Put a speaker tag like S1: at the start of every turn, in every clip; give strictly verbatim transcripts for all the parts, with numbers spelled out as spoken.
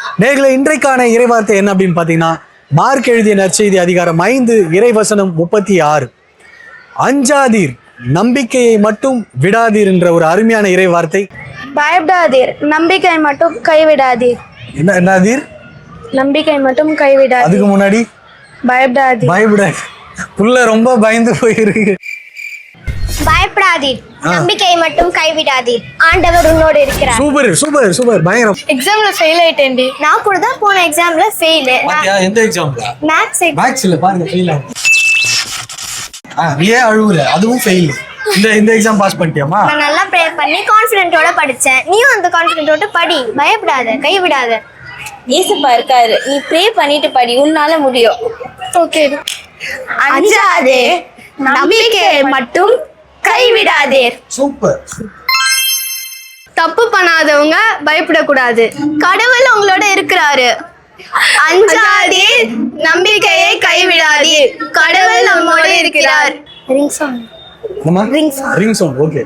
S1: நேர்களை இன்றைக்கான இறைவார்த்தை என்ன அப்படின்னு பார்த்தீங்கன்னா, மார்க் எழுதிய நற்செய்தி அதிகாரம் ஐந்து இறைவசனம் முப்பத்தி ஆறு. அஞ்சாதீர், நம்பிக்கையை மட்டும் விடாதீர் என்ற ஒரு அருமையான இறைவார்த்தை.
S2: பயப்படாதீர், நம்பிக்கை மட்டும் கைவிடாதீர்.
S1: என்ன என்னதீர்?
S2: நம்பிக்கை மட்டும் கைவிடாதீர்.
S1: அதுக்கு முன்னாடி
S2: பயப்படாதீர்.
S1: பயப்படாது. புள்ள ரொம்ப பயந்து போயிருக்கு.
S3: பயப்படாதீர், நம்பிக்கையை மட்டும் கைவிடாதீர், ஆண்டவர் உன்னோடு இருக்கிறார்.
S1: சூப்பர் சூப்பர் சூப்பர் பயங்கரம்.
S2: எக்ஸாம்ல ஃபெயில் ஆயிட்டேன்டி.
S3: நான் கூட தான் போன எக்ஸாம்ல ஃபெயில்.
S1: பாத்தியா எந்த எக்ஸாம்ல?
S3: மேத்ஸ்
S1: மேத்ஸ்ல பாருங்க ஃபெயில் ஆகும். ஆ நீ ஏன் அழுவுற? அதுவும் ஃபெயில். இந்த இந்த எக்ஸாம் பாஸ் பண்ணிட்டியாமா?
S3: நான் நல்லா ப்ரே பண்ணி கான்ஃபிடென்ட்டோட படிச்சேன். நீயும் அந்த கான்ஃபிடென்ட்டோட படி, பயப்படாத, கைவிடாத.
S4: ஏசப்பா இருக்காரு, நீ ப்ரே பண்ணிட்டு படி, உன்னால முடியும்.
S2: ஓகே.
S3: அஞ்சாதே, நம்பிக்கையை மட்டும் கைவிடாதீர்.
S1: சூப்பர்.
S2: தப்பு பண்ணாதவங்க பயப்படக்கூடாது.
S3: கடவுள் உங்களோட இருக்கிறாரு. அஞ்சாதீர், நம்பிக்கையை கைவிடாதீர், கடவுள் நம்மோடு இருக்கிறார். Ring song.
S1: என்னமா? Ring song. Ring song. Okay.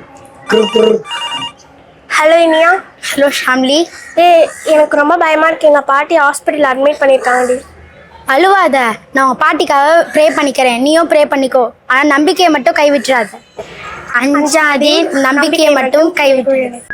S3: Hello Iniya. Hello Shamli. ஏ எனக்கு ரொம்ப பயமா இருக்கு, எங்க பாட்டி ஹாஸ்பிட்டல் அட்மிட் பண்ணிருக்காங்கடி.
S5: அழுவாத, நான் உன் பாட்டிக்காக ப்ரே பண்ணிக்கிறேன், நீயும் ப்ரே பண்ணிக்கோ. ஆனால் நம்பிக்கையை மட்டும் கைவிட்டுறாத. அஞ்சாதீர், நம்பிக்கையை மட்டும் கைவிட்டுறாத.